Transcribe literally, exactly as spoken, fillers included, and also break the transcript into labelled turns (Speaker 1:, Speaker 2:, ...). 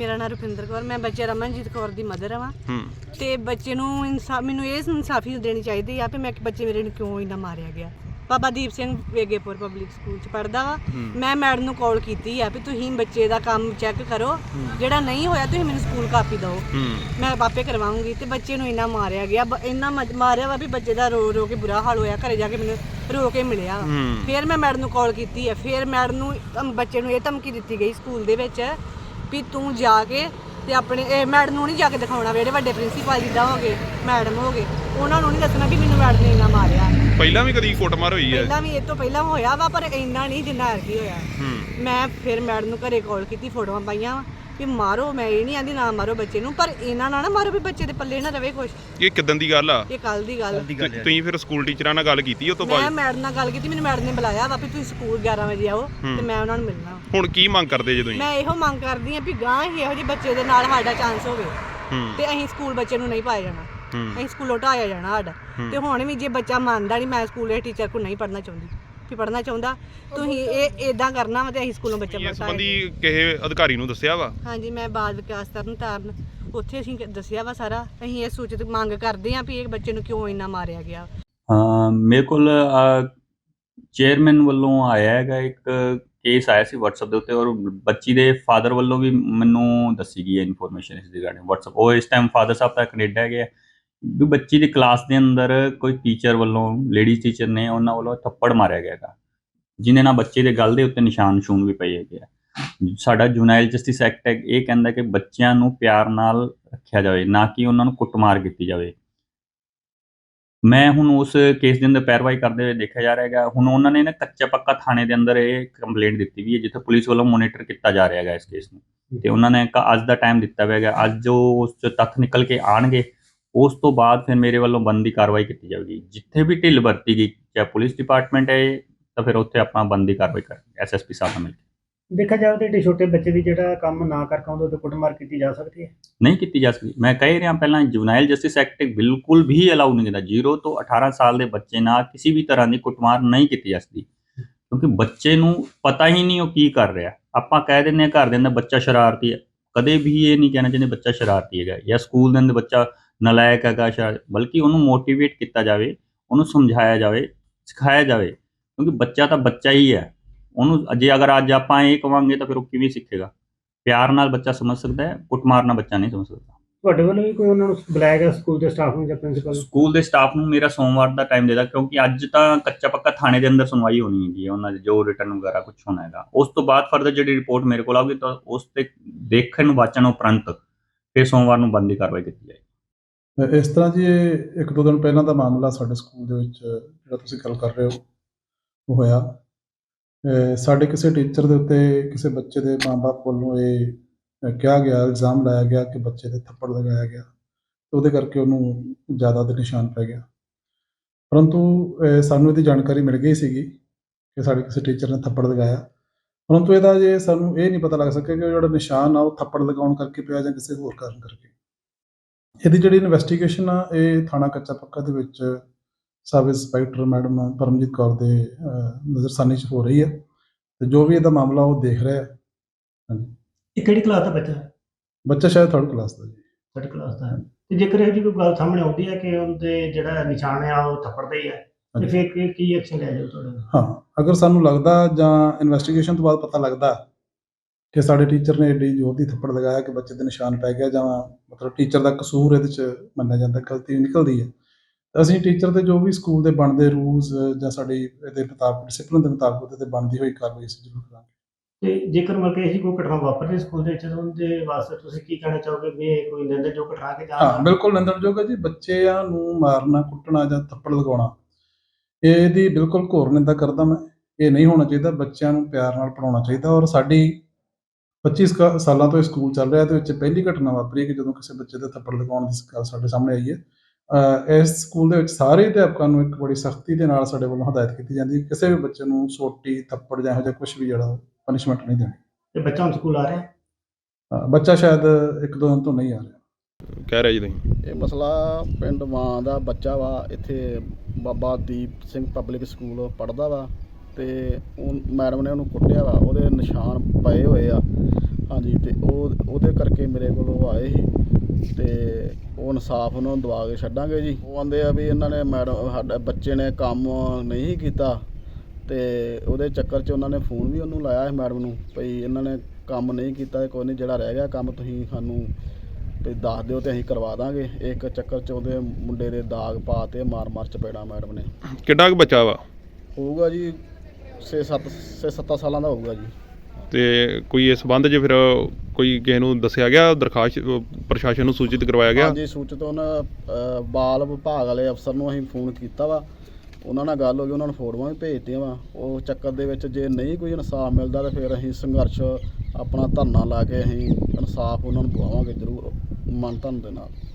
Speaker 1: ਮੇਰਾ ਨਾਮ ਰੁਪਿੰਦਰ ਕੌਰ, ਮੈਂ ਬੱਚੇ ਰਮਨਜੀਤ ਕੌਰ ਦੀ ਮਦਰ ਹਾਂ ਤੇ ਬੱਚੇ ਨੂੰ ਇਨਸਾਫ ਮੈਨੂੰ ਇਹ ਇਨਸਾਫੀ ਦੇਣੀ ਚਾਹੀਦੀ ਆ ਕਿ ਮੈਂ ਬੱਚੇ ਮੇਰੇ ਨੂੰ ਕਿਉਂ ਇੰਨਾ ਮਾਰਿਆ ਗਿਆ। ਬਾਬਾ ਦੀਪ ਸਿੰਘ ਵੇਗੇਪੁਰ ਪਬਲਿਕ ਸਕੂਲ ਚ ਪੜ੍ਹਦਾ ਵਾ। ਮੈਂ ਮੈਡਮ ਨੂੰ ਕਾਲ ਕੀਤੀ ਆ ਵੀ ਤੁਸੀਂ ਬੱਚੇ ਦਾ ਕੰਮ ਚੈੱਕ ਕਰੋ, ਜਿਹੜਾ ਨਹੀਂ ਹੋਇਆ ਤੁਸੀਂ ਮੈਨੂੰ ਸਕੂਲ ਕਾਪੀ ਦਿਓ, ਮੈਂ ਆਪੇ ਕਰਵਾਉਂਗੀ। ਤੇ ਬੱਚੇ ਨੂੰ ਇੰਨਾ ਮਾਰਿਆ ਗਿਆ, ਇੰਨਾ ਮਾਰਿਆ ਵਾ ਵੀ ਬੱਚੇ ਦਾ ਰੋ ਰੋ ਕੇ ਬੁਰਾ ਹਾਲ ਹੋਇਆ। ਘਰੇ ਜਾ ਕੇ ਮੈਨੂੰ ਰੋ ਕੇ ਮਿਲਿਆ। ਫਿਰ ਮੈਂ ਮੈਡਮ ਨੂੰ ਕਾਲ ਕੀਤੀ ਆ, ਫਿਰ ਮੈਡਮ ਨੂੰ ਬੱਚੇ ਨੂੰ ਇਹ ਧਮਕੀ ਦਿੱਤੀ ਗਈ ਸਕੂਲ ਦੇ ਵਿੱਚ ਵੀ ਤੂੰ ਜਾ ਕੇ ਤੇ ਆਪਣੇ ਇਹ ਮੈਡਮ ਨੂੰ ਨਹੀਂ ਜਾ ਕੇ ਦਿਖਾਉਣਾ, ਜਿਹੜੇ ਵੱਡੇ ਪ੍ਰਿੰਸੀਪਲ ਜਿੱਦਾਂ ਹੋ ਗਏ ਮੈਡਮ ਹੋ ਗਏ ਉਹਨਾਂ ਨੂੰ ਨਹੀਂ ਦੱਸਣਾ ਕਿ ਮੈਨੂੰ ਮੈਡਮ ਨੇ ਇੰਨਾ ਮਾਰਿਆ।
Speaker 2: ਪਹਿਲਾਂ ਵੀ ਕਦੀ ਕੁੱਟਮਾਰ ਹੋਈ ਹੈ? ਪਹਿਲਾਂ
Speaker 1: ਵੀ ਇਹ ਤੋਂ ਪਹਿਲਾਂ ਹੋਇਆ ਵਾ, ਪਰ ਇੰਨਾ ਨਹੀਂ ਜਿੰਨਾ ਐਰਕੀ ਹੋਇਆ। ਮੈਂ ਫਿਰ ਮੈਡਮ ਨੂੰ ਘਰੇ ਕਾਲ ਕੀਤੀ, ਫੋਟੋਆਂ ਪਾਈਆਂ ਵੀ ਮਾਰੋ, ਮੈਂ ਇਹ ਨਹੀਂ ਆਂਦੀ ਨਾ ਮਾਰੋ ਬੱਚੇ ਨੂੰ, ਪਰ ਇਹਨਾਂ ਨਾਲ ਨਾ ਮਾਰੋ ਵੀ ਬੱਚੇ ਦੇ ਪੱਲੇ ਨਾ ਰਵੇ ਕੁਛ।
Speaker 2: ਇਹ ਕਿਦਾਂ ਦੀ ਗੱਲ ਆ?
Speaker 1: ਇਹ ਕੱਲ ਦੀ ਗੱਲ।
Speaker 2: ਤੁਸੀਂ ਫਿਰ ਸਕੂਲ ਟੀਚਰਾਂ ਨਾਲ ਗੱਲ ਕੀਤੀ ਉਸ ਤੋਂ ਬਾਅਦ?
Speaker 1: ਮੈਂ ਮੈਡਮ ਨਾਲ ਗੱਲ ਕੀਤੀ, ਮੈਨੂੰ ਮੈਡਮ ਨੇ ਬੁਲਾਇਆ ਵਾ ਵੀ ਤੁਸੀਂ ਸਕੂਲ ਗਿਆਰਾਂ ਵਜੇ ਆਓ ਤੇ ਮੈਂ ਉਹਨਾਂ ਨੂੰ ਮਿਲਣਾ।
Speaker 2: ਹੁਣ ਕੀ ਮੰਗ ਕਰਦੇ ਜੇ ਤੁਸੀਂ?
Speaker 1: ਮੈਂ ਇਹੋ ਮੰਗ ਕਰਦੀ ਆ ਵੀ ਗਾਂ ਹੀ ਇਹੋ ਜਿਹੇ ਬੱਚੇ ਦੇ ਨਾਲ ਸਾਡਾ ਚਾਂਸ ਹੋਵੇ ਤੇ ਅਸੀਂ ਸਕੂਲ ਬੱਚੇ ਨੂੰ ਨਹੀਂ ਪਾਇਆ ਜਾਣਾ, ਅਸੀਂ ਸਕੂਲੋਂ ਢਾਇਆ ਜਾਣਾ ਸਾਡਾ। ਤੇ ਹੁਣ ਵੀ ਜੇ ਬੱਚਾ ਮੰਨਦਾ ਨਹੀਂ ਮੈਂ ਸਕੂਲ ਦੇ ਟੀਚਰ ਕੋਲ ਨਹੀਂ ਪੜ੍ਹਨਾ ਚਾਹੁੰਦੀ ਵੀ ਪੜ੍ਹਨਾ ਚਾਹੁੰਦਾ ਤੁਸੀਂ ਇਹ ਇਦਾਂ ਕਰਨਾ ਵਾ ਤੇ ਅਸੀਂ ਸਕੂਲੋਂ ਬੱਚਾ ਪੜ੍ਹਾਇਆ।
Speaker 2: ਇਸ ਸੰਬੰਧੀ ਕਿਸੇ ਅਧਿਕਾਰੀ ਨੂੰ ਦੱਸਿਆ ਵਾ?
Speaker 1: ਹਾਂਜੀ, ਮੈਂ ਬਾਲ ਵਿਕਾਸ ਤਰਨ ਤਾਰਨ ਉੱਥੇ ਅਸੀਂ ਦੱਸਿਆ ਵਾ ਸਾਰਾ। ਅਸੀਂ ਇਹ ਸੂਚਿਤ ਮੰਗ ਕਰਦੇ ਹਾਂ ਵੀ ਇਹ ਬੱਚੇ ਨੂੰ ਕਿਉਂ ਇੰਨਾ ਮਾਰਿਆ ਗਿਆ।
Speaker 3: ਹਾਂ, ਮੇਰੇ ਕੋਲ ਚੇਅਰਮੈਨ ਵੱਲੋਂ ਆਇਆ ਹੈਗਾ ਇੱਕ ਕੇਸ ਆਇਆ ਸੀ WhatsApp ਦੇ ਉੱਤੇ, ਔਰ ਬੱਚੀ ਦੇ ਫਾਦਰ ਵੱਲੋਂ ਵੀ ਮੈਨੂੰ ਦੱਸੀ ਗਈ ਹੈ ਇਨਫੋਰਮੇਸ਼ਨ ਇਸ ਰਿਗਾਰਡਿੰਗ WhatsApp। ਉਹ ਇਸ ਟਾਈਮ ਫਾਦਰ ਸਾਹਿਬ ਤਾਂ ਕੈਨੇਡਾ ਹੈਗੇ ਆ ਵੀ ਬੱਚੀ ਦੀ ਕਲਾਸ ਦੇ ਅੰਦਰ ਕੋਈ ਟੀਚਰ ਵੱਲੋਂ, ਲੇਡੀਜ਼ ਟੀਚਰ ਨੇ, ਉਹਨਾਂ ਵੱਲੋਂ ਥੱਪੜ ਮਾਰਿਆ ਗਿਆ ਹੈਗਾ, ਜਿਹਦੇ ਨਾਲ ਬੱਚੇ ਦੇ ਗਲ ਦੇ ਉੱਤੇ ਨਿਸ਼ਾਨ ਨਿਸ਼ੂਨ ਵੀ ਪਏ ਹੈਗੇ ਆ। ਸਾਡਾ ਜੁਨਾਈਲ ਜਸਟਿਸ ਐਕਟ ਇਹ ਕਹਿੰਦਾ ਕਿ ਬੱਚਿਆਂ ਨੂੰ ਪਿਆਰ ਨਾਲ ਰੱਖਿਆ ਜਾਵੇ, ਨਾ ਕਿ ਉਹਨਾਂ ਨੂੰ ਕੁੱਟਮਾਰ ਕੀਤੀ ਜਾਵੇ। ਮੈਂ ਹੁਣ ਉਸ ਕੇਸ ਦੇ ਅੰਦਰ ਪੈਰਵਾਈ ਕਰਦੇ ਹੋਏ ਦੇਖਿਆ ਜਾ ਰਿਹਾ ਹੈਗਾ। ਹੁਣ ਉਹਨਾਂ ਨੇ ਨਾ ਕੱਚਾ ਪੱਕਾ ਥਾਣੇ ਦੇ ਅੰਦਰ ਇਹ ਕੰਪਲੇਂਟ ਦਿੱਤੀ ਵੀ ਹੈ, ਜਿੱਥੇ ਪੁਲਿਸ ਵੱਲੋਂ ਮੋਨੀਟਰ ਕੀਤਾ ਜਾ ਰਿਹਾ ਹੈਗਾ ਇਸ ਕੇਸ ਨੂੰ। ਤੇ ਉਹਨਾਂ ਨੇ ਅੱਜ ਦਾ ਟਾਈਮ ਦਿੱਤਾ ਹੋਇਆ ਹੈਗਾ, ਅੱਜ ਜੋ ਉਸ 'ਚ ਤੱਥ ਨਿਕਲ ਕੇ ਆਉਣਗੇ ਉਸ ਤੋਂ ਬਾਅਦ ਫਿਰ ਮੇਰੇ ਵੱਲੋਂ ਬਣਦੀ ਕਾਰਵਾਈ ਕੀਤੀ ਜਾਵੇਗੀ। ਜਿੱਥੇ ਵੀ ਢਿੱਲ ਵਰਤੀ ਗਈ, ਚਾਹੇ ਪੁਲਿਸ ਡਿਪਾਰਟਮੈਂਟ ਹੈ ਤਾਂ ਫਿਰ ਉੱਥੇ ਆਪਣਾ ਬਣਦੀ ਕਾਰਵਾਈ ਕਰਾਂਗੇ ਐਸ ਐਸ ਪੀ ਸਾਹਿਬ ਨਾਲ ਮਿਲ ਕੇ।
Speaker 4: ਦੇਖਿਆ ਜਾਵੇ ਤਾਂ ਏਡੇ ਛੋਟੇ ਬੱਚੇ ਦੀ ਜਿਹੜਾ ਕੰਮ ਨਾ ਕਰ ਪਾਉਂਦਾ ਤੇ ਕੁੱਟਮਾਰ ਕੀਤੀ ਜਾ ਸਕਦੀ ਹੈ?
Speaker 3: ਨਹੀਂ ਕੀਤੀ ਜਾ ਸਕਦੀ। ਮੈਂ ਕਹਿ ਰਿਹਾ ਪਹਿਲਾਂ ਜੁਵਨਾਈਲ ਜਸਟਿਸ ਐਕਟ ਬਿਲਕੁਲ ਵੀ ਅਲਾਉ ਨਹੀਂ ਕਰਦਾ। ਜ਼ੀਰੋ ਤੋਂ ਅਠਾਰਾਂ ਸਾਲ ਦੇ ਬੱਚੇ ਨਾਲ ਕਿਸੇ ਵੀ ਤਰ੍ਹਾਂ ਦੀ ਕੁੱਟਮਾਰ ਨਹੀਂ ਕੀਤੀ ਜਾ ਸਕਦੀ, ਕਿਉਂਕਿ ਬੱਚੇ ਨੂੰ ਪਤਾ ਹੀ ਨਹੀਂ ਉਹ ਕੀ ਕਰ ਰਿਹਾ। ਆਪਾਂ ਕਹਿ ਦਿੰਦੇ ਹਾਂ ਘਰ ਦੇ ਅੰਦਰ ਬੱਚਾ ਸ਼ਰਾਰਤੀ ਹੈ, ਕਦੇ ਵੀ ਇਹ ਨਹੀਂ ਕਹਿਣਾ ਚਾਹੀਦਾ ਬੱਚਾ ਸ਼ਰਾਰਤੀ ਹੈਗਾ ਜਾਂ ਸਕੂਲ ਦੇ ਅੰਦਰ ਬੱਚਾ ਨਲਾਇਕ ਹੈਗਾ ਸ਼ਰਾਰਤ, ਬਲਕਿ ਉਹਨੂੰ ਮੋਟੀਵੇਟ ਕੀਤਾ ਜਾਵੇ, ਉਹਨੂੰ ਸਮਝਾਇਆ ਜਾਵੇ, ਸਿਖਾਇਆ ਜਾਵੇ, ਕਿਉਂਕਿ ਬੱਚਾ ਤਾਂ ਬੱਚਾ ਹੀ ਹੈ। ਉਹਨੂੰ ਜੇ ਅਗਰ ਅੱਜ ਆਪਾਂ ਇਹ ਕਵਾਂਗੇ ਤਾਂ ਫਿਰ ਉਹ ਕਿਵੇਂ ਸਿੱਖੇਗਾ? ਪਿਆਰ ਨਾਲ ਬੱਚਾ ਸਮਝ ਸਕਦਾ ਹੈ, ਕੁੱਟਮਾਰ ਨਾਲ ਬੱਚਾ ਨਹੀਂ ਸਮਝ ਸਕਦਾ।
Speaker 4: ਤੁਹਾਡੇ ਵੱਲੋਂ ਵੀ ਕੋਈ ਉਹਨਾਂ ਨੂੰ ਬੁਲਾਇਆ ਗਿਆ ਸਕੂਲ ਦੇ ਸਟਾਫ ਨੂੰ ਜਾਂ ਪ੍ਰਿੰਸੀਪਲ?
Speaker 3: ਸਕੂਲ ਦੇ ਸਟਾਫ ਨੂੰ ਮੇਰਾ ਸੋਮਵਾਰ ਦਾ ਟਾਈਮ ਦੇਦਾ, ਕਿਉਂਕਿ ਅੱਜ ਤਾਂ ਕੱਚਾ ਪੱਕਾ ਥਾਣੇ ਦੇ ਅੰਦਰ ਸੁਣਵਾਈ ਹੋਣੀ ਹੈਗੀ ਹੈ, ਉਹਨਾਂ ਦੇ ਜੋ ਰਿਟਰਨ ਵਗੈਰਾ ਕੁਝ ਹੋਣਾ ਹੈਗਾ। ਉਸ ਤੋਂ ਬਾਅਦ ਫਰਦਰ ਜਿਹੜੀ ਰਿਪੋਰਟ ਮੇਰੇ ਕੋਲ ਆਊਗੀ ਤਾਂ ਉਸ ਤੇ ਦੇਖਣ ਵਾਚਣ ਉਪਰੰਤ ਫਿਰ ਸੋਮਵਾਰ ਨੂੰ ਬਣਦੀ ਕਾਰਵਾਈ ਕੀਤੀ ਜਾਏਗੀ।
Speaker 5: ਇਸ ਤਰ੍ਹਾਂ ਜੀ ਇਹ ਇੱਕ ਦੋ ਦਿਨ ਪਹਿਲਾਂ ਦਾ ਮਾਮਲਾ ਸਾਡੇ ਸਕੂਲ ਦੇ ਵਿੱਚ ਜਿਹੜਾ ਤੁਸੀਂ ਗੱਲ ਕਰ ਰਹੇ ਹੋ ਉਹ ਹੋਇਆ। ਸਾਡੇ ਕਿਸੇ ਟੀਚਰ ਦੇ ਉੱਤੇ ਕਿਸੇ ਬੱਚੇ ਦੇ ਮਾਂ-ਬਾਪ ਵੱਲੋਂ ਇਹ ਕਿਹਾ ਗਿਆ, ਇਲਜ਼ਾਮ ਲਾਇਆ ਗਿਆ ਕਿ ਬੱਚੇ ਦੇ ਥੱਪੜ ਲਗਾਇਆ ਗਿਆ, ਤੇ ਉਹਦੇ ਕਰਕੇ ਉਹਨੂੰ ਜ਼ਿਆਦਾ ਦੇ ਨਿਸ਼ਾਨ ਪੈ ਗਿਆ। ਪਰੰਤੂ ਸਾਨੂੰ ਇਹਦੀ ਜਾਣਕਾਰੀ ਮਿਲ ਗਈ ਸੀਗੀ ਕਿ ਸਾਡੇ ਕਿਸੇ ਟੀਚਰ ਨੇ ਥੱਪੜ ਲਗਾਇਆ, ਪਰੰਤੂ ਇਹਦਾ ਜੇ ਸਾਨੂੰ ਇਹ ਨਹੀਂ ਪਤਾ ਲੱਗ ਸਕਿਆ ਕਿ ਜਿਹੜਾ ਨਿਸ਼ਾਨ ਆ ਉਹ ਥੱਪੜ ਲਗਾਉਣ ਕਰਕੇ ਪਿਆ ਜਾਂ ਕਿਸੇ ਹੋਰ ਕਾਰਨ ਕਰਕੇ। ਇਹਦੀ ਜਿਹੜੀ ਇਨਵੈਸਟੀਗੇਸ਼ਨ ਆ ਇਹ ਥਾਣਾ ਕੱਚਾ ਪੱਕਾ ਦੇ ਵਿੱਚ sub inspector madam Paramjit Kaur ਦੇ ਨਜ਼ਰਸਾਨੀ 'ਚ ਹੋ ਰਹੀ ਹੈ, ਤੇ ਜੋ ਵੀ ਇਹਦਾ ਮਾਮਲਾ ਉਹ ਦੇਖ ਰਿਹਾ ਹੈ। ਹਾਂਜੀ,
Speaker 4: ਇਹ ਕਿਹੜੀ ਕਲਾਸ ਦਾ ਬੱਚਾ ਹੈ?
Speaker 5: ਬੱਚਾ ਸ਼ਾਇਦ ਥਰਡ ਕਲਾਸ ਦਾ ਜੀ।
Speaker 4: ਥਰਡ ਕਲਾਸ ਦਾ ਹੈ। ਤੇ ਜੇਕਰ ਇਹ ਜੀ ਕੋਈ ਗੱਲ ਸਾਹਮਣੇ ਆਉਂਦੀ ਹੈ ਕਿ ਉਹਦੇ ਜਿਹੜਾ ਨਿਸ਼ਾਨ ਆ ਉਹ ਥੱਪੜ ਦਾ ਹੀ ਹੈ, ਤੇ ਫਿਰ ਕੀ ਕੀ ਐਕਸ਼ਨ ਲਿਆ ਜਾਊ ਤੁਹਾਡੇ?
Speaker 5: ਹਾਂ, ਅਗਰ ਸਾਨੂੰ ਲੱਗਦਾ ਜਾਂ ਇਨਵੈਸਟੀਗੇਸ਼ਨ ਤੋਂ ਬਾਅਦ ਪਤਾ ਲੱਗਦਾ ਕਿ ਸਾਡੇ ਟੀਚਰ ਨੇ ਏਡੀ ਜ਼ੋਰ ਦੀ ਥੱਪੜ ਲਗਾਇਆ ਕਿ ਬੱਚੇ ਦੇ ਨਿਸ਼ਾਨ ਪੈ ਗਿਆ, ਜਾਂ ਮਤਲਬ ਟੀਚਰ ਦਾ ਕਸੂਰ ਇਹਦੇ 'ਚ ਮੰਨਿਆ ਜਾਂਦਾ, ਗਲਤੀ ਨਿਕਲਦੀ ਹੈ, ਤਾਂ ਅਸੀਂ ਟੀਚਰ ਦੇ ਜੋ ਵੀ ਸਕੂਲ ਦੇ ਬਣਦੇ ਰੂਲਸ ਜਾਂ ਸਾਡੀ ਇਹਦੇ ਮੁਤਾਬਕ ਡਿਸਿਪਲਿਨ ਦੇ ਮੁਤਾਬਕ ਉਹਦੇ 'ਤੇ ਬਣਦੀ ਹੋਈ ਕਾਰਵਾਈ ਅਸੀਂ ਜ਼ਰੂਰ ਕਰਾਂਗੇ।
Speaker 4: ਤੇ ਜੇਕਰ ਮਤਲਬ ਇਹੀ ਕੋਈ ਘਟਨਾ ਵਾਪਰਦੀ ਸਕੂਲ ਦੇ ਵਿੱਚ, ਉਹਦੇ ਵਾਸਤੇ ਤੁਸੀਂ ਕੀ ਕਹਿਣਾ ਚਾਹੋਗੇ ਵੀ ਇਹ ਕੋਈ ਨਿੰਦਣਯੋਗ ਘਟਨਾ ਕਿ ਜਾਂ?
Speaker 5: ਹਾਂ, ਬਿਲਕੁਲ ਨਿੰਦਣਯੋਗ ਹੈ ਜੀ। ਬੱਚਿਆਂ ਨੂੰ ਮਾਰਨਾ, ਕੁੱਟਣਾ ਜਾਂ ਥੱਪੜ ਲਗਾਉਣਾ ਇਹਦੀ ਬਿਲਕੁਲ ਘੋਰ ਨਿੰਦਾ ਕਰਦਾ ਮੈਂ। ਇਹ ਨਹੀਂ ਹੋਣਾ ਚਾਹੀਦਾ। ਬੱਚਿਆਂ ਨੂੰ ਪਿਆਰ ਨਾਲ ਪੜ੍ਹਾਉਣਾ ਚਾਹੀਦਾ। ਔਰ ਸਾਡੀ ਪੱਚੀ ਸਾਲਾਂ ਤੋਂ ਇਹ ਸਕੂਲ ਚੱਲ ਰਿਹਾ, ਇਹਦੇ ਵਿੱਚ ਪਹਿਲੀ ਘਟਨਾ ਵਾਪਰੀ ਕਿ ਜਦੋਂ ਕਿਸੇ ਬੱਚੇ ਦੇ ਥੱਪੜ ਲਗਾਉਣ ਦੀ ਗੱਲ ਸਾਡੇ ਸਾਹਮਣੇ ਆਈ ਹੈ। ਇਸ ਸਕੂਲ ਦੇ ਵਿੱਚ ਸਾਰੇ ਅਧਿਆਪਕਾਂ ਨੂੰ ਇੱਕ ਬੜੀ ਸਖਤੀ ਦੇ ਨਾਲ ਸਾਡੇ ਵੱਲੋਂ ਹਦਾਇਤ ਕੀਤੀ ਜਾਂਦੀ ਹੈ ਕਿਸੇ ਵੀ ਬੱਚੇ ਨੂੰ ਸੋਟੀ, ਥੱਪੜ ਜਾਂ ਇਹੋ ਜਿਹਾ ਕੁਛ ਵੀ ਜਿਹੜਾ ਪਨਿਸ਼ਮੈਂਟ ਨਹੀਂ ਦੇਣੀ।
Speaker 4: ਤੇ ਬੱਚਾ ਹੁਣ ਸਕੂਲ ਆ ਰਿਹਾ?
Speaker 5: ਬੱਚਾ ਸ਼ਾਇਦ ਇੱਕ ਦੋ ਦਿਨ ਤੋਂ ਨਹੀਂ ਆ ਰਿਹਾ।
Speaker 2: ਕਹਿ ਰਿਹਾ ਜੀ ਤੁਸੀਂ?
Speaker 6: ਇਹ ਮਸਲਾ ਪਿੰਡ ਮਾਂ ਦਾ ਬੱਚਾ ਵਾ, ਇੱਥੇ ਬਾਬਾ ਦੀਪ ਸਿੰਘ ਪਬਲਿਕ ਸਕੂਲ ਪੜ੍ਹਦਾ ਵਾ, ਤੇ ਉਹ ਮੈਡਮ ਨੇ ਉਹਨੂੰ ਕੁੱਟਿਆ ਵਾ, ਉਹਦੇ ਨਿਸ਼ਾਨ ਪਏ ਹੋਏ ਆ। ਹਾਂਜੀ ਤੇ ਉਹ ਉਹਦੇ ਕਰਕੇ ਮੇਰੇ ਕੋਲ ਉਹ ਆਏ ਸੀ ਤੇ ਉਹ ਇਨਸਾਫ ਉਹਨਾਂ ਨੂੰ ਦਵਾ ਕੇ ਛੱਡਾਂਗੇ ਜੀ। ਉਹ ਆਂਦੇ ਆ ਵੀ ਇਹਨਾਂ ਨੇ ਮੈਡਮ ਸਾਡੇ ਬੱਚੇ ਨੇ ਕੰਮ ਨਹੀਂ ਕੀਤਾ ਤੇ ਉਹਦੇ ਚੱਕਰ 'ਚ ਉਹਨਾਂ ਨੇ ਫੋਨ ਵੀ ਉਹਨੂੰ ਲਾਇਆ ਸੀ ਮੈਡਮ ਨੂੰ ਭਈ ਇਹਨਾਂ ਨੇ ਕੰਮ ਨਹੀਂ ਕੀਤਾ, ਕੋਈ ਨਹੀਂ ਜਿਹੜਾ ਰਹਿ ਗਿਆ ਕੰਮ ਤੁਸੀਂ ਸਾਨੂੰ ਵੀ ਦੱਸ ਦਿਓ ਤੇ ਅਸੀਂ ਕਰਵਾ ਦਾਂਗੇ। ਇੱਕ ਚੱਕਰ 'ਚ ਉਹਦੇ ਮੁੰਡੇ ਦੇ ਦਾਗ ਪਾ ਤੇ ਮਾਰ ਮਾਰ ਚਪੇੜਾ ਮੈਡਮ ਨੇ।
Speaker 2: ਕਿੱਡਾ ਕੁ ਬੱਚਾ ਵਾ?
Speaker 6: ਹੋਊਗਾ ਜੀ ਛੇ ਸੱਤ ਛੇ ਸੱਤਾਂ ਸਾਲਾਂ ਦਾ ਹੋਊਗਾ ਜੀ।
Speaker 2: ਤੇ ਕੋਈ ਇਸ ਸੰਬੰਧ 'ਚ ਫਿਰ ਕੋਈ ਕਿਸੇ ਨੂੰ ਦੱਸਿਆ ਗਿਆ, ਦਰਖਾਸਤ ਪ੍ਰਸ਼ਾਸਨ ਨੂੰ ਸੂਚਿਤ ਕਰਵਾਇਆ ਗਿਆ?
Speaker 6: ਹਾਂਜੀ ਸੂਚਿਤ ਉਹਨਾਂ ਅ, ਬਾਲ ਵਿਭਾਗ ਵਾਲੇ ਅਫਸਰ ਨੂੰ ਅਸੀਂ ਫੋਨ ਕੀਤਾ ਵਾ, ਉਹਨਾਂ ਨਾਲ ਗੱਲ ਹੋ ਗਈ, ਉਹਨਾਂ ਨੂੰ ਫੋਟੋਆਂ ਵੀ ਭੇਜਤੀਆਂ ਵਾ। ਉਹ ਚੱਕਰ ਦੇ ਵਿੱਚ ਜੇ ਨਹੀਂ ਕੋਈ ਇਨਸਾਫ ਮਿਲਦਾ ਤਾਂ ਫਿਰ ਅਸੀਂ ਸੰਘਰਸ਼ ਆਪਣਾ ਧਰਨਾ ਲਾ ਕੇ ਅਸੀਂ ਇਨਸਾਫ ਉਹਨਾਂ ਨੂੰ ਦਵਾਵਾਂਗੇ ਜ਼ਰੂਰ ਮਨ ਧਨ ਦੇ ਨਾਲ।